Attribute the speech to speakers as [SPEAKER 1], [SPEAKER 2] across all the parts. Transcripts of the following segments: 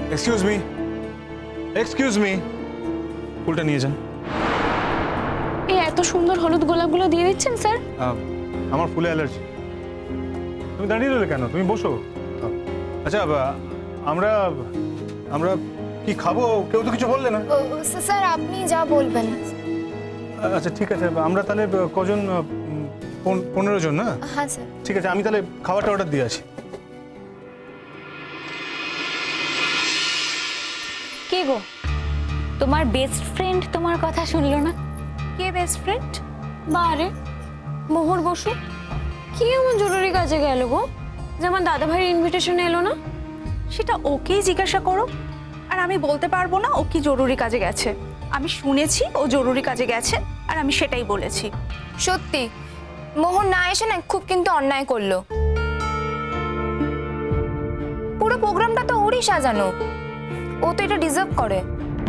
[SPEAKER 1] Excuse me, ফুলটা নিয়ে যান।
[SPEAKER 2] এই এত সুন্দর হলুদ গোলাপগুলো দিয়ে দিচ্ছেন স্যার?
[SPEAKER 1] আমার ফুলে অ্যালার্জি। তুমি দাঁড়িয়ে রইলে কেন? তুমি বসো। আচ্ছা, আমরা আমরা কি খাবো? কেউ তো কিছু বললে না।
[SPEAKER 3] স্যার আপনি যা বলবেন।
[SPEAKER 1] আচ্ছা ঠিক আছে, আমরা তাহলে কজন? 15 জন না?
[SPEAKER 3] হ্যাঁ স্যার।
[SPEAKER 1] ঠিক আছে, আমি তাহলে খাবারটা অর্ডার দিয়ে আসি।
[SPEAKER 4] কে গো, তোমার বেস্ট ফ্রেন্ড তোমার কথা শুনলো না?
[SPEAKER 2] কে বেস্ট ফ্রেন্ড? বারে মোহর বসু কি এমন জরুরি কাজে গেল গো, যেমন দাদা ভাইয়ের ইনভিটেশন এলো না?
[SPEAKER 5] সেটা ওকেই জিজ্ঞাসা করো। আর আমি বলতে পারবো না ও কি জরুরি কাজে গেছে। আমি শুনেছি ও জরুরি কাজে গেছে আর আমি সেটাই বলেছি।
[SPEAKER 3] সত্যি মোহন না এসে না খুব কিন্তু অন্যায় করলো। পুরো প্রোগ্রামটা তো ওরই সাজানো, ও তো এটা ডিজার্ভ করে।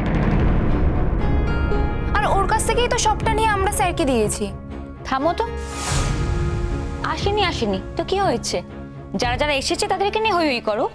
[SPEAKER 3] আর ওর কাছ থেকেই তো সবটা নিয়ে আমরা স্যারকে দিয়েছি।
[SPEAKER 4] থামো তো, আসেনি তো কি হয়েছে? যারা যারা এসেছে তাদেরকে নিয়ে হই হই করো।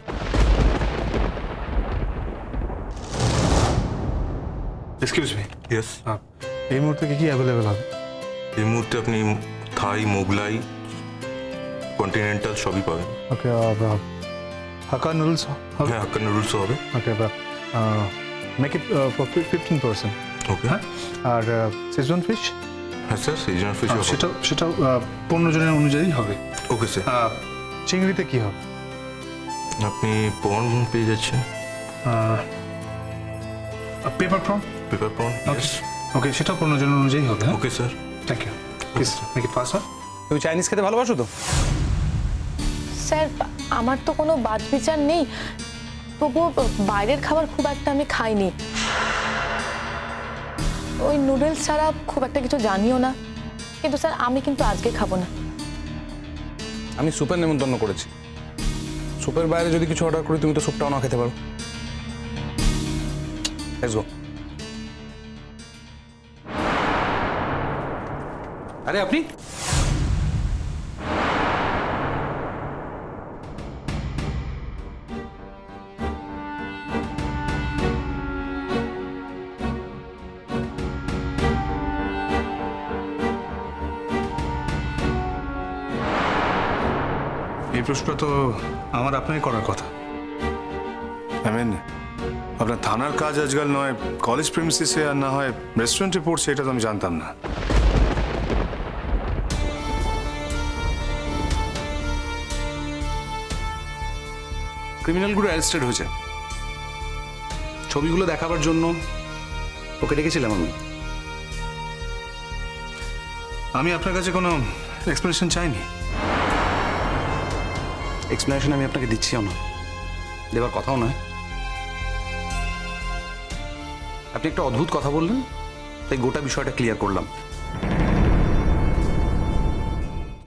[SPEAKER 1] Excuse me,
[SPEAKER 6] yes.
[SPEAKER 1] এই মুহূর্তে কি অ্যাভেলেবেল হবে?
[SPEAKER 6] এই মুহূর্তে আপনি থাই, মোগলাই, কন্টিনেন্টাল সবই পাবেন।
[SPEAKER 1] ওকে, হাক্কা নুডলস হবে?
[SPEAKER 6] হ্যাঁ, হাক্কা নুডলসও হবে।
[SPEAKER 1] Okay, make it for 15%।
[SPEAKER 6] Okay.
[SPEAKER 1] হ্যাঁ, আর সিজন ফিশ?
[SPEAKER 6] হ্যাঁ স্যার, সিজনাল ফিশ হবে।
[SPEAKER 1] সেটা 15 জনের অনুযায়ী হবে।
[SPEAKER 6] Okay sir.
[SPEAKER 1] চিংড়িতে কি হবে?
[SPEAKER 6] আপনি প্রন পেয়ে যাচ্ছেন।
[SPEAKER 1] Pepper prawn?
[SPEAKER 6] Pepper prawn.
[SPEAKER 1] Okay, সেটা 15 জনের অনুযায়ী হবে।
[SPEAKER 6] Okay sir.
[SPEAKER 1] Thank you. Please make it fast.
[SPEAKER 7] তুমি চাইনিজ খেতে ভালোবাসো তো?
[SPEAKER 8] স্যার আমার তো কোনো বাদ বিচার নেই, তবুও বাইরের খাবার খুব একটা আমি খাইনি। ওই নুডলস ছাড়া খুব একটা কিছু জানিও না, কিন্তু স্যার আমি কিন্তু আজকে খাবো না।
[SPEAKER 7] আমি স্যুপের নেমন্তন্ন করেছি। স্যুপের বাইরে যদি কিছু অর্ডার করি তুমি তো স্যুপটাও না খেতে পারো। Let's go. আরে আপনি
[SPEAKER 1] এই প্রশ্নটা তো আমার আপনাকে করার কথা।
[SPEAKER 9] আপনার থানার কাজ আজকাল নয় কলেজ প্রেমিসিসে, আর না হয় রেস্টুরেন্টে পড়ছে, এটা তো আমি জানতাম না।
[SPEAKER 7] ক্রিমিনালগুলো অ্যারেস্টেড হয়েছে। ছবিগুলো দেখাবার জন্য ওকে ডেকেছিলাম আমি।
[SPEAKER 1] আমি আপনার কাছে কোনো এক্সপ্লেনেশন চাইনি।
[SPEAKER 7] এক্সপ্লেনেশন আমি আপনাকে দিচ্ছিও না, দেবার কথাও নয়। আপনি একটা অদ্ভুত কথা বললেন, তাই গোটা বিষয়টা ক্লিয়ার করলাম।